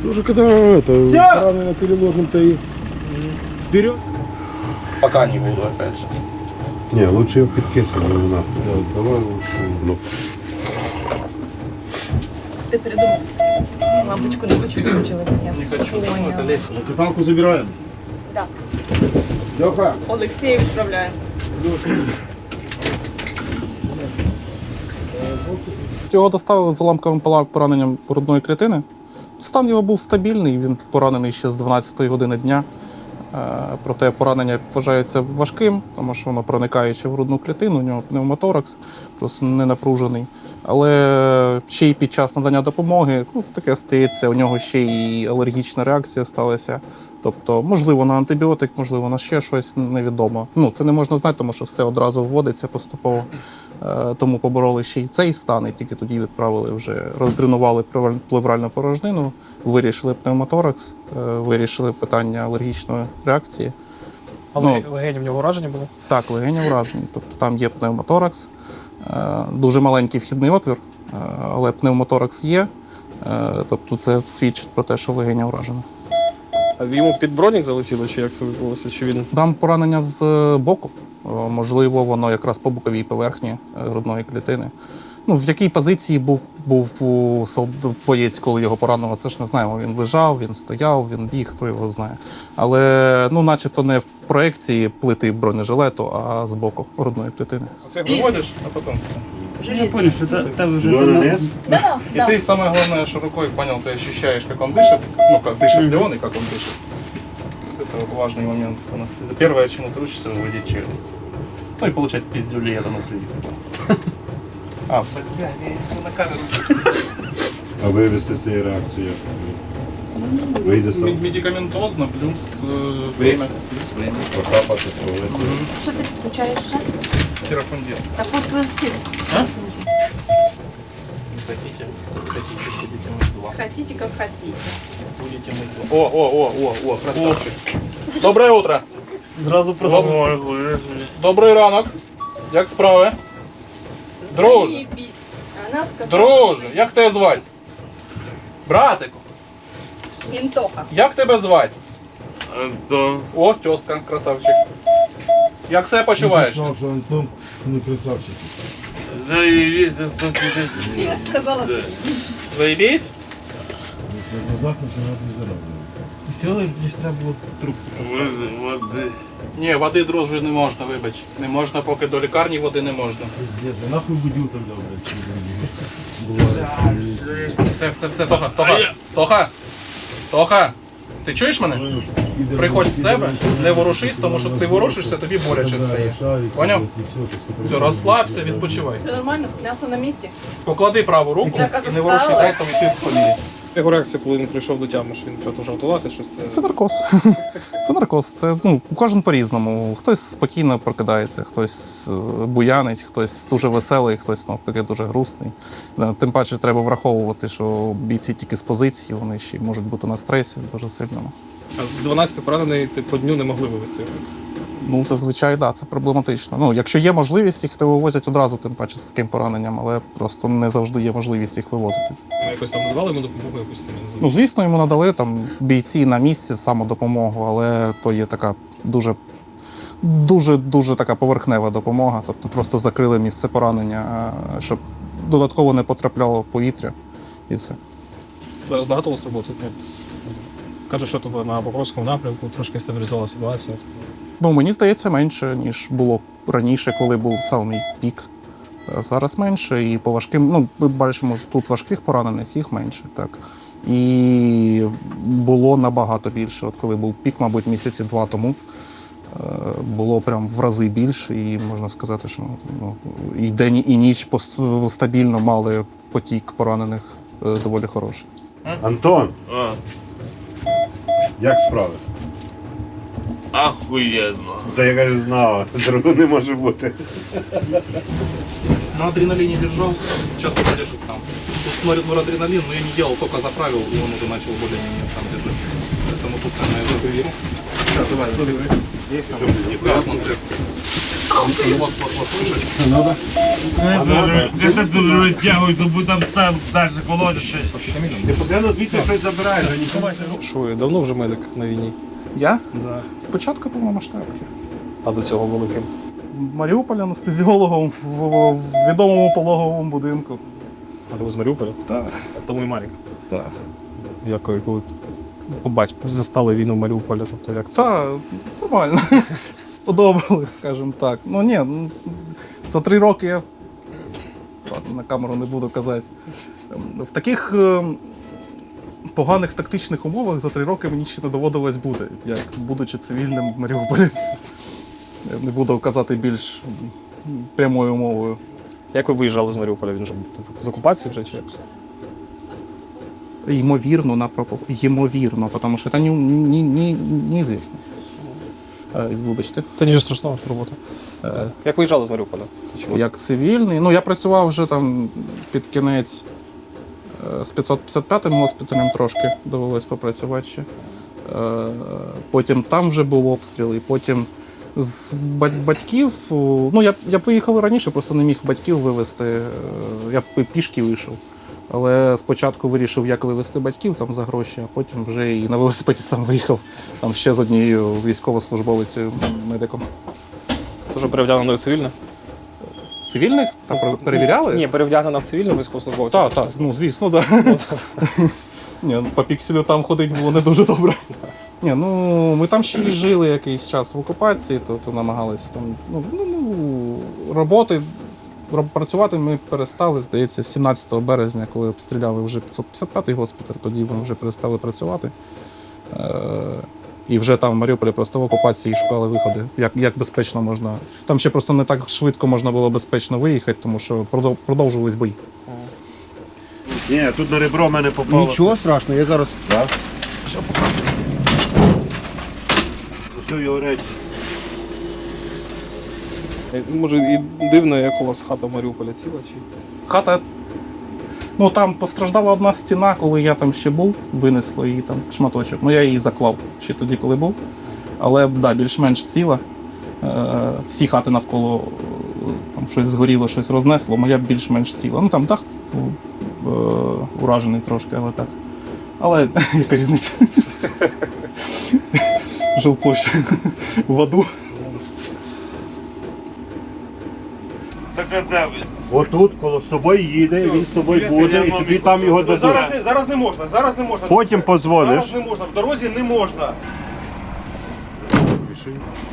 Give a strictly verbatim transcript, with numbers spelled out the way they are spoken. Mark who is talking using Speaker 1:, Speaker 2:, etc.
Speaker 1: Уже когда это, правильно переложим-то и вперед.
Speaker 2: Пока не буду, опять же.
Speaker 1: Не, лучше ее подкисывать не надо. Да, давай лучше. Ну.
Speaker 3: Ты придумал. Лампочку не хочу включила.
Speaker 2: Не хочу, ну, это лестница.
Speaker 1: Каталку забираем.
Speaker 3: Да.
Speaker 1: Леха.
Speaker 3: Олексію відправляємо.
Speaker 4: Його доставили з уламковим пораненням грудної клітини. Стан його був стабільний, він поранений ще з дванадцятої години дня. Проте поранення вважається важким, тому що воно проникає ще в грудну клітину, у нього пневмоторакс, просто не напружений. Але ще й під час надання допомоги, ну, таке стається, у нього ще й алергічна реакція сталася. Тобто, можливо, на антибіотик, можливо, на ще щось, невідомо. Ну, це не можна знати, тому що все одразу вводиться поступово. Тому побороли ще й цей стан, і тільки тоді відправили вже, роздренували плевральну порожнину, вирішили пневмоторакс, вирішили питання алергічної реакції.
Speaker 5: Але
Speaker 4: ну,
Speaker 5: легені в нього уражені були?
Speaker 4: Так, легені уражені. Тобто там є пневмоторакс, дуже маленький вхідний отвір, але пневмоторакс є. Тобто це свідчить про те, що легеня уражена.
Speaker 5: А йому під бронік залетіло, чи як це відбулося? Чи він...
Speaker 4: Там поранення з боку. Можливо, воно якраз по боковій поверхні грудної клітини. Ну, в якій позиції був, був у боєць, коли його поранило, це ж не знаємо. Він лежав, він стояв, він біг, хто його знає. Але, ну, начебто не в проекції плити бронежилету, а з боку грудної клітини.
Speaker 2: Оце виводиш, а потім все.
Speaker 6: Я понял, что это, это уже...
Speaker 1: Лес?
Speaker 3: Да,
Speaker 2: И
Speaker 3: да.
Speaker 2: ты, самое главное, что рукой понял, ты ощущаешь, как он дышит, ну, как дышит ли он и как он дышит. Вот это вот важный момент. Это первое, чему ты учишься, выводить челюсть. Ну и получать пиздюлей от анестезиста. А, бля, я на камеру.
Speaker 1: А вивести цієї реакції? Вийде сам.
Speaker 2: Медикаментозно плюс э, время. Плюс время.
Speaker 1: Покапати, провести.
Speaker 3: Що ти включаєш ще?
Speaker 2: Терафондин.
Speaker 3: Так от ви всі.
Speaker 2: А? Хотите, хотите, будете мыть два.
Speaker 3: Хотите, как хотите.
Speaker 2: Будете мыть два. О, о, о, о, о, красавчик. Доброе утро.
Speaker 6: Сразу
Speaker 2: проснулся. Добрий ранок. Як справи? Друже,
Speaker 3: Заєбісь. А нас сказали,
Speaker 2: друже, як тебе звати? Братику,
Speaker 3: Інтоха.
Speaker 2: як тебе звати?
Speaker 6: Антон.
Speaker 2: О, тезка, красавчик. Як себе почуваєш?
Speaker 1: Знав, що Антон не красавчик.
Speaker 6: Заявись до сто пятьдесят.
Speaker 3: Я сказала,
Speaker 2: Заебись?
Speaker 1: Якщо в глазах починати зарадувати.
Speaker 6: Веселый, мне ж треба було трубку. Воды.
Speaker 2: Ні, води, друже, не можна, вибач. Не можна, поки до лікарні води не можна.
Speaker 1: Пиздец, а нахуй будил тогда, блядь.
Speaker 2: Все, все, все, Тоха, Тоха, Тоха, Тоха, ти чуєш мене? Приходь в себе, не ворушись, тому що ти ворушишся, тобі боляче стає. Поняв? Все, розслабся, відпочивай.
Speaker 3: все нормально, м'ясо на місці.
Speaker 2: Поклади праву руку і не воруши, дай тобі тиск поміряти.
Speaker 5: Його реакція, коли він прийшов до тями, що він продовжав тулати, щось це...
Speaker 4: Це наркоз. Це наркоз. Це, ну, кожен по-різному. Хтось спокійно прокидається, хтось е, буянить, хтось дуже веселий, хтось навпаки дуже грустний. Е, Тим паче треба враховувати, що бійці тільки з позиції, вони ще й можуть бути на стресі дуже сильному.
Speaker 5: А з дванадцяти поранений ти по дню не могли вивезти.
Speaker 4: Ну, зазвичай, так, да, це проблематично. Ну, якщо є можливість, їх то вивозять одразу, тим паче з таким пораненням, але просто не завжди є можливість їх вивозити.
Speaker 5: Ми якось там надавали йому допомогу, якусь там, я не
Speaker 4: Ну,
Speaker 5: знаю.
Speaker 4: звісно, йому надали там бійці на місці самодопомогу, але то є така дуже, дуже, дуже така поверхнева допомога. Тобто просто закрили місце поранення, щоб додатково не потрапляло повітря і все.
Speaker 5: Зараз багато у вас роботи. От, кажуть, що тобі на Покровському напрямку трошки стабілізувала ситуація.
Speaker 4: Ну, мені здається, менше, ніж було раніше, коли був самий пік. А зараз менше, і по важким, ну, ми бачимо, тут важких поранених, їх менше, так. І було набагато більше. От коли був пік, мабуть, місяці два тому, е, було прям в рази більше, і можна сказати, що ну, і день, і ніч пос- стабільно мали потік поранених е, доволі хороший.
Speaker 1: Антон,
Speaker 6: А,
Speaker 1: як справи?
Speaker 6: охуенно.
Speaker 1: Та я кажу, знала, другого не може бути.
Speaker 2: На адреналине держал, сейчас подержит сам. Тут смотрит норадреналин, но я не делал, только заправил, и он уже начал более-менее сам держать. Поэтому тут, наверное, я заберу. Сейчас, давай, забери.
Speaker 1: Щоб не
Speaker 2: Аккуратно, цепь. Вот, вот, вот, слышишь?
Speaker 6: Де це дуже розтягують, то будь там там далі колодити. Ти постійно звідти щось забираєш, а ніколи.
Speaker 5: Що, ви давно вже медик на війні?
Speaker 4: Я?
Speaker 5: Да.
Speaker 4: Спочатку повномасштабки.
Speaker 5: А до цього великим.
Speaker 4: В Маріуполі анестезіологом в, в відомому пологовому будинку.
Speaker 5: А ти ви з Маріуполя?
Speaker 4: Так,
Speaker 5: А тому і Марік.
Speaker 4: так.
Speaker 5: Як коли побач, застали війну в Маріуполі, тобто як це?
Speaker 4: Та, нормально. Сподобалось, скажімо так. Ну ні, ну, за три роки я ладно, на камеру не буду казати. В таких е, поганих тактичних умовах за три роки мені ще не доводилось бути, як будучи цивільним в Маріуполі. Я не буду казати більш прямою мовою.
Speaker 5: Як ви виїжджали з Маріуполя? Він же був типу, з окупації вже чи як?
Speaker 4: Ймовірно, на пропо... Ймовірно, тому що це не, не, не, неізвісно. Е, Вибачте.
Speaker 5: Та нічого страшного, робота. Е, як виїжджали з Маріуполя? Це чому?
Speaker 4: Як цивільний. Ну, я працював вже там під кінець е, з п'ятсот п'ятдесят п'ятим госпіталем трошки довелось попрацювати ще. Е, Потім там вже був обстріл, і потім з бать- батьків. о, Ну, я, б- я б виїхав і раніше, просто не міг батьків вивезти. е, Я б і пішки вийшов. Але спочатку вирішив, як вивезти батьків там за гроші, а потім вже і на велосипеді сам виїхав. Там ще з однією військовослужбовицею медиком.
Speaker 5: Дуже перевдягнено в цивільне?
Speaker 4: Цивільних там пер- перевіряли?
Speaker 5: Ні, перевдягнено в цивільне військовослужбовця.
Speaker 4: Так, так, ну звісно, так. Ні, ну, по пікселю там ходити було не дуже добре. Ні, ну ми там ще й жили якийсь час в окупації, то, то намагалися там. Ну, ну, ну роботи. роб- Працювати ми перестали, здається, сімнадцятого березня, коли обстріляли вже п'ятсот п'ятдесят п'ятий госпіталь, тоді ми вже перестали працювати. Е- І вже там в Маріуполі просто в окупації шукали виходи, як, як безпечно можна. Там ще просто не так швидко можна було безпечно виїхати, тому що продов- продовжувались бої.
Speaker 6: Ні, тут на ребро в мене попало.
Speaker 1: Нічого страшного, я зараз.
Speaker 6: Все його речі.
Speaker 5: Е, Може і дивно, як у вас хата в Маріуполі ціла чи?
Speaker 4: Хата. Ну там постраждала одна стіна, коли я там ще був, винесло її там шматочок. Ну я її заклав ще тоді, коли був. Але да, більш-менш ціла. Е, всі хати навколо е, там щось згоріло, щось рознесло, моя більш-менш ціла. Ну там дах був е, уражений трошки, але так. Але яка різниця? Жилплоща в аду.
Speaker 6: Так а де ви?
Speaker 1: Отут, коло з тобою їде, він з тобою буде, і тобі там його
Speaker 2: Зараз
Speaker 1: дадуть.
Speaker 2: не, зараз не можна, зараз не можна.
Speaker 1: Потім позвониш.
Speaker 2: Зараз не можна, в дорозі не можна.